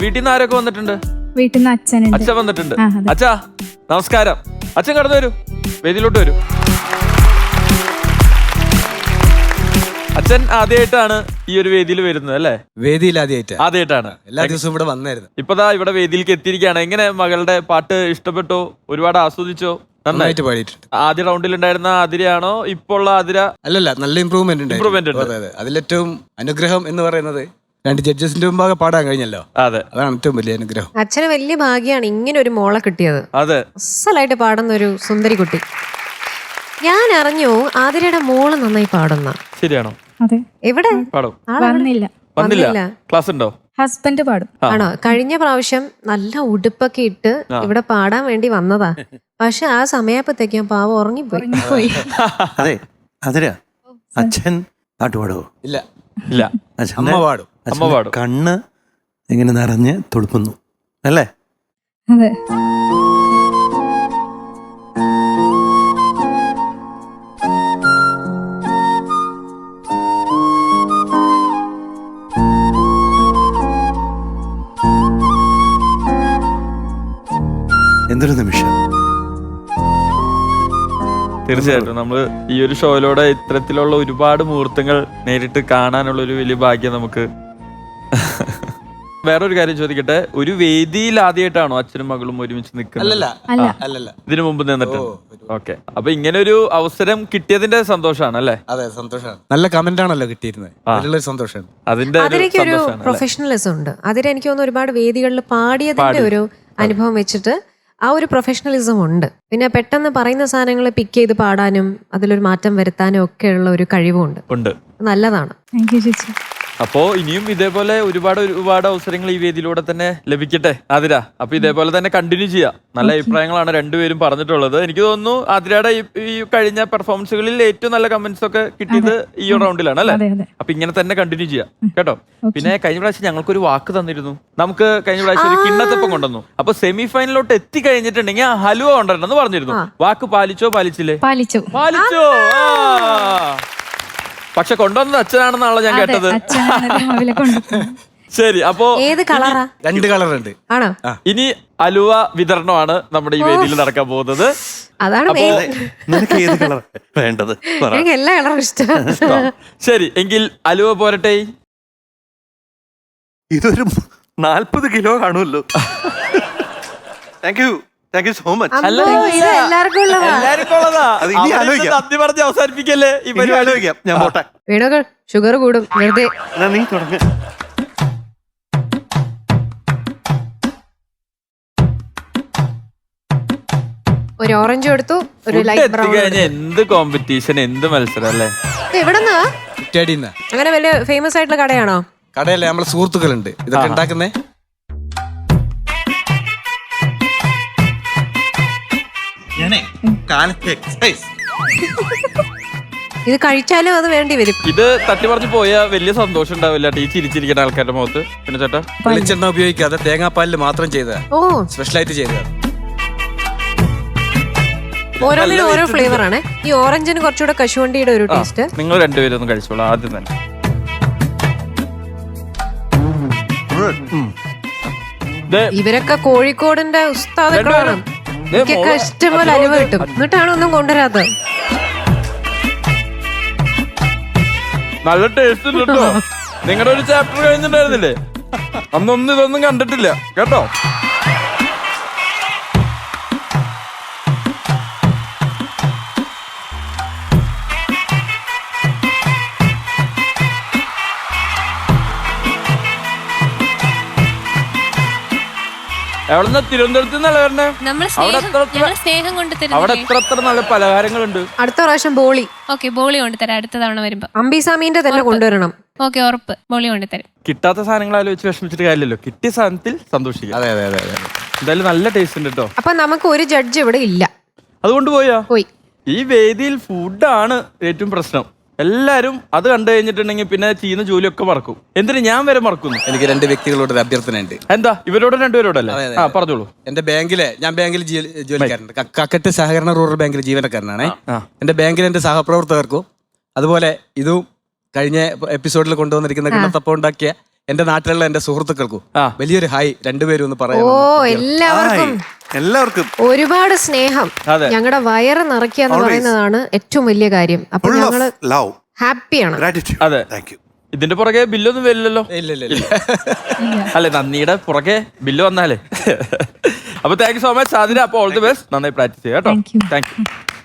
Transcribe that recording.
വീട്ടിൽ നിന്ന് ആരൊക്കെ വന്നിട്ടുണ്ട്? വീട്ടിൽ നിന്ന് അച്ഛനുണ്ട്. അച്ഛൻ വന്നിട്ടുണ്ട്. ആ, അതെ. അച്ഛാ നമസ്കാരം. അച്ഛൻ കടന്നു വരൂ, വേദിയിലോട്ട് വരൂ. അച്ഛൻ ആദ്യമായിട്ടാണ് ഈ ഒരു വേദിയിൽ വരുന്നത് അല്ലേ? വേദിയിൽ ആദ്യമായിട്ടാണ്. എല്ലാ ദിവസവും ഇവിടെ വന്നായിരുന്നു. ഇപ്പതാ ഇവിടെ വേദിയിലേക്ക് എത്തിയിരിക്കുകയാണ്. എങ്ങനെ മകളുടെ പാട്ട് ഇഷ്ടപ്പെട്ടോ? ഒരുപാട് ആസ്വദിച്ചോ? നന്നായിട്ട് പാടിയിട്ടുണ്ട്. ആദ്യ റൗണ്ടിൽ ഉണ്ടായിരുന്ന ആതിരയാണോ ഇപ്പോൾ ഉള്ള ആതിര? അല്ലല്ല, നല്ല ഇമ്പ്രൂവ്മെന്റ് ഉണ്ട്. അതെ, അതിലേറ്റവും അനുഗ്രഹം എന്ന് പറയുന്നത് 2 ജഡ്ജസിന്റെ മുമ്പാകെ പാടാൻ കഴിഞ്ഞല്ലോ. അതെ, അതാണ് ഏറ്റവും വലിയ അനുഗ്രഹം. അച്ഛന് വലിയ ഭാഗ്യമാണ് ഇങ്ങനെ ഒരു മോളെ കിട്ടിയത്. അതെ, അസലായിട്ട് പാടുന്ന ഒരു സുന്ദരി കുട്ടി. ഞാൻ അറിഞ്ഞു ആതിരയുടെ മോള് നന്നായി പാടുന്ന. ശരിയാണോ? അതെ. എവിടെ പാടും? വന്നില്ല. വന്നില്ല. ക്ലാസ് ഉണ്ടോ? ഹസ്ബൻഡ് പാടും. ആണോ? കഴിഞ്ഞ പ്രാവശ്യം നല്ല ഉടുപ്പൊക്കെ ഇട്ട് ഇവിടെ പാടാൻ വേണ്ടി വന്നതാ. പക്ഷെ ആ സമയപ്പത്തേക്കും പാവം ഉറങ്ങിപ്പോയി. അതെ അതിര അച്ഛൻ പാട്ട് പാടുവോ? ഇല്ല ഇല്ല, അമ്മ പാടും. അമ്മ പാടും. കണ്ണ് ഇങ്ങനെ നിറഞ്ഞ് തുളുപ്പുന്നു അല്ലേ? അതെ. എന്തൊരു നിമിഷം. തീർച്ചയായിട്ടും നമ്മള് ഈ ഒരു ഷോയിലൂടെ ഇത്തരത്തിലുള്ള ഒരുപാട് മുഹൂർത്തങ്ങൾ നേരിട്ട് കാണാനുള്ള ഒരു വലിയ ഭാഗ്യം നമുക്ക്. വേറൊരു കാര്യം ചോദിക്കട്ടെ, ഒരു വേദിയിൽ ആദ്യമായിട്ടാണോ അച്ഛനും മകളും ഒരുമിച്ച് നിൽക്കുന്നത്? അല്ലല്ല, ഇതിനു മുമ്പ് നിന്നിട്ട്. ഓക്കെ, അപ്പൊ ഇങ്ങനെ ഒരു അവസരം കിട്ടിയതിന്റെ സന്തോഷമാണ് അല്ലേ? അതെ, സന്തോഷമാണ്. നല്ല കമന്റ് ആണല്ലോ കിട്ടിയിരുന്നത്, അതിലുള്ള സന്തോഷമാണ്. അതിന്റെ അതിലേക്കൊരു പ്രൊഫഷണലിസം ഉണ്ട്. അതിൽ എനിക്ക് തോന്നുന്നു ഒരുപാട് വേദികളിൽ പാടിയതിന്റെ ഒരു അനുഭവം വെച്ചിട്ട് ആ ഒരു പ്രൊഫഷണലിസം ഉണ്ട്. പിന്നെ പെട്ടെന്ന് പറയുന്ന സാധനങ്ങൾ പിക്ക് ചെയ്ത് പാടാനും അതിലൊരു മാറ്റം വരുത്താനും ഒക്കെ ഉള്ള ഒരു കഴിവുണ്ട്. നല്ലതാണ്. താങ്ക് യു ചേച്ചി. അപ്പോ ഇനിയും ഇതേപോലെ ഒരുപാട് അവസരങ്ങൾ ഈ വേദിയിലൂടെ തന്നെ ലഭിക്കട്ടെ ആതിര. അപ്പൊ ഇതേപോലെ തന്നെ കണ്ടിന്യൂ ചെയ്യാം. നല്ല അഭിപ്രായങ്ങളാണ് രണ്ടുപേരും പറഞ്ഞിട്ടുള്ളത്. എനിക്ക് തോന്നുന്നു ആതിരയുടെ ഈ കഴിഞ്ഞ പെർഫോമൻസുകളിൽ ഏറ്റവും നല്ല കമന്റ്സ് ഒക്കെ കിട്ടിയത് ഈ റൗണ്ടിലാണ് അല്ലെ? അപ്പൊ ഇങ്ങനെ തന്നെ കണ്ടിന്യൂ ചെയ്യാം കേട്ടോ. പിന്നെ കഴിഞ്ഞ പ്രാവശ്യം ഞങ്ങൾക്കൊരു വാക്ക് തന്നിരുന്നു. നമുക്ക് കഴിഞ്ഞ പ്രാവശ്യം ഒരു കിണ്ണത്തപ്പം കൊണ്ടുവന്നു. അപ്പൊ സെമി ഫൈനലിലോട്ട് എത്തിക്കഴിഞ്ഞിട്ടുണ്ടെങ്കിൽ ഹലുവ കൊണ്ടുവരണമെന്ന് പറഞ്ഞിരുന്നു. വാക്ക് പാലിച്ചോ പാലിച്ചില്ലേ? പാലിച്ചു. പക്ഷെ കൊണ്ടുവന്നത് അച്ഛനാണെന്നാണല്ലോ ഞാൻ കേട്ടത്. ശരി, അപ്പോ ഏത് കളറാ? 2 കളറുണ്ട്. ആണോ? ഇനി അലുവ വിതരണമാണ് നമ്മുടെ ഈ വേദിയിൽ നടക്കാൻ പോകുന്നത്. അതാണ് നിനക്ക് ഏത് കളർ വേണ്ടത്? എനിക്ക് എല്ലാ കളറും ഇഷ്ടം. ശരി, എങ്കിൽ അലുവ പോരട്ടെ. ഇതൊരു 40 കിലോ കാണുമല്ലോ. Thank you so much. എല്ലാവർക്കും ഉള്ളതാ. അത് ഇനി ആലോചിക്കാം. നന്ദി പറഞ്ഞ് അവസാനിപ്പിക്കല്ലേ ഈ പരിപാടി? ആലോചിക്കാം, ഞാൻ പോട്ടെ. വീണോകൾ ഷുഗർ കൂടും വെറുതെ. എന്നാ നീ തുടങ്ങ. ഒരു ഓറഞ്ച് കൊടുത്തു, ഒരു Food ലൈറ്റ് ബ്രൗൺ. എത്തിക്കഴിഞ്ഞ എന്ത് കോമ്പറ്റീഷൻ, എന്ത് മത്സരം അല്ലേ? എവിടെന്നാ? കുറ്റ്യാടിന്ന്. അങ്ങനെ വലിയ ഫേമസ് ആയിട്ടുള്ള കടയാണോ? കടയല്ലേ, നമ്മളെ സുഹൃത്തുക്കളുണ്ട് ഇതൊക്കെ ഉണ്ടാക്കുന്നേ. ഇത് കഴിച്ചാലും അത് വേണ്ടി വരും. ഇത് തട്ടി പറഞ്ഞു പോയാൽ വലിയ സന്തോഷം ഉണ്ടാവില്ല ഈ ചിരിച്ചിരിക്കുന്ന ആൾക്കാരുടെ മുഖത്ത്. പിന്നെ ചേട്ടാ, വെളിച്ചെണ്ണ ഉപയോഗിക്കാതെ തേങ്ങാപ്പാലിൽ മാത്രം ചെയ്തതാ, ഓ, സ്പെഷ്യലായിട്ട് ചെയ്തതാ. ഓരോന്നിനും ഓരോ ഫ്ലേവർ ആണ്. ഈ ഓറഞ്ചിന് കുറച്ചുകൂടെ കശുവണ്ടിയുടെ ഒരു ടേസ്റ്റ്. നിങ്ങൾ രണ്ടുപേരും ഒന്ന് കഴിച്ചോളൂ ആദ്യം തന്നെ. ഇവരൊക്കെ കോഴിക്കോടിന്റെ ഉസ്താദുക്കളാണ്. എനിക്കൊക്കെ ഇഷ്ടംപോലെ അലുവ കിട്ടും, എന്നിട്ടാണ് ഒന്നും കൊണ്ടുവരാത്തത്. നല്ല ടേസ്റ്റ് ഉണ്ട് കേട്ടോ. നിങ്ങളുടെ ഒരു ചാപ്റ്റർ കഴിഞ്ഞിട്ടുണ്ടായിരുന്നില്ലേ? അന്നൊന്നും ഇതൊന്നും കണ്ടിട്ടില്ല കേട്ടോ. എവിടെന്നാ? തിരുവനന്തപുരത്ത് നിന്നല്ല വരണേ? അവിടെ എത്ര നല്ല പലഹാരങ്ങളുണ്ട്. അടുത്ത പ്രാവശ്യം ബോളി. ഓക്കെ, ബോളി കൊണ്ടുതരാം അടുത്ത തവണ വരുമ്പോ. അംബിസാമീന്റെ തന്നെ കൊണ്ടുവരണം. ഓക്കെ, ഉറപ്പ്, ബോളി കൊണ്ടുതരാം. കിട്ടാത്ത സാധനങ്ങൾ ആലോചിച്ച് വിഷമിച്ചിട്ട് കാര്യമില്ലല്ലോ, കിട്ടിയ സാധനത്തിൽ സന്തോഷിക്കാം. അതെ. എന്തായാലും നല്ല ടേസ്റ്റ് ഉണ്ട് കേട്ടോ. അപ്പൊ നമുക്ക് ഒരു ജഡ്ജ് ഇവിടെ ഇല്ല, അതുകൊണ്ട് പോയി. ഈ വേദിയിൽ ഫുഡാണ് ഏറ്റവും പ്രശ്നം. എല്ലാരും അത് കണ്ടു കഴിഞ്ഞിട്ടുണ്ടെങ്കിൽ പിന്നെ ചെയ്യുന്ന ജോലിയൊക്കെ മറക്കും. എന്തിനു ഞാൻ വരെ മറക്കുന്നു. എനിക്ക് 2 വ്യക്തികളോട് ഒരു അഭ്യർത്ഥനയുണ്ട്. എന്താ? ഇവരോട് രണ്ടുപേരോടല്ലേ? പറഞ്ഞോളൂ. എന്റെ ഞാൻ ബാങ്കിൽ ജോലിക്കാരുണ്ട്. കക്കട്ട് സഹകരണ റൂറൽ ബാങ്കിൽ ജീവനക്കാരനാണ്. എന്റെ ബാങ്കിൽ എന്റെ സഹപ്രവർത്തകർക്കും അതുപോലെ ഇതും കഴിഞ്ഞ എപ്പിസോഡിൽ കൊണ്ടുവന്നിരിക്കുന്ന കിണ്ണത്തപ്പം ഉണ്ടാക്കിയ എന്റെ നാട്ടിലുള്ള എന്റെ സുഹൃത്തുക്കൾക്കും ആ. വലിയൊരു ഹായ് രണ്ടുപേരും ഒന്ന് പറയാം. ഓ എല്ലാവർക്കും എല്ലാവർക്കും ഒരുപാട് സ്നേഹം. അതെ. ഞങ്ങളുടെ വയറ് നിറയ്ക്കുക എന്ന് പറയുന്നതാണ് ഏറ്റവും വലിയ കാര്യം. അപ്പൊ ഫുൾ ഓഫ് ഞങ്ങള് ലവ് ഹാപ്പിയാണ്. ഗ്രാറ്റിറ്റ്യൂഡ്. അതെ. Thank you. ഇതിന്റെ പുറകെ ബില്ലൊന്നും വരില്ലല്ലോ. ഇല്ല അല്ലെ, നന്ദിയുടെ പുറകെ ബില്ല് വന്നാലേ. അപ്പൊ thank you so much Athira. അപ്പൊ ഓൾ ദി ബെസ്റ്റ്. നന്നായി പ്രാക്ടീസ് ചെയ്യാം കേട്ടോ. Thank you. Thank U.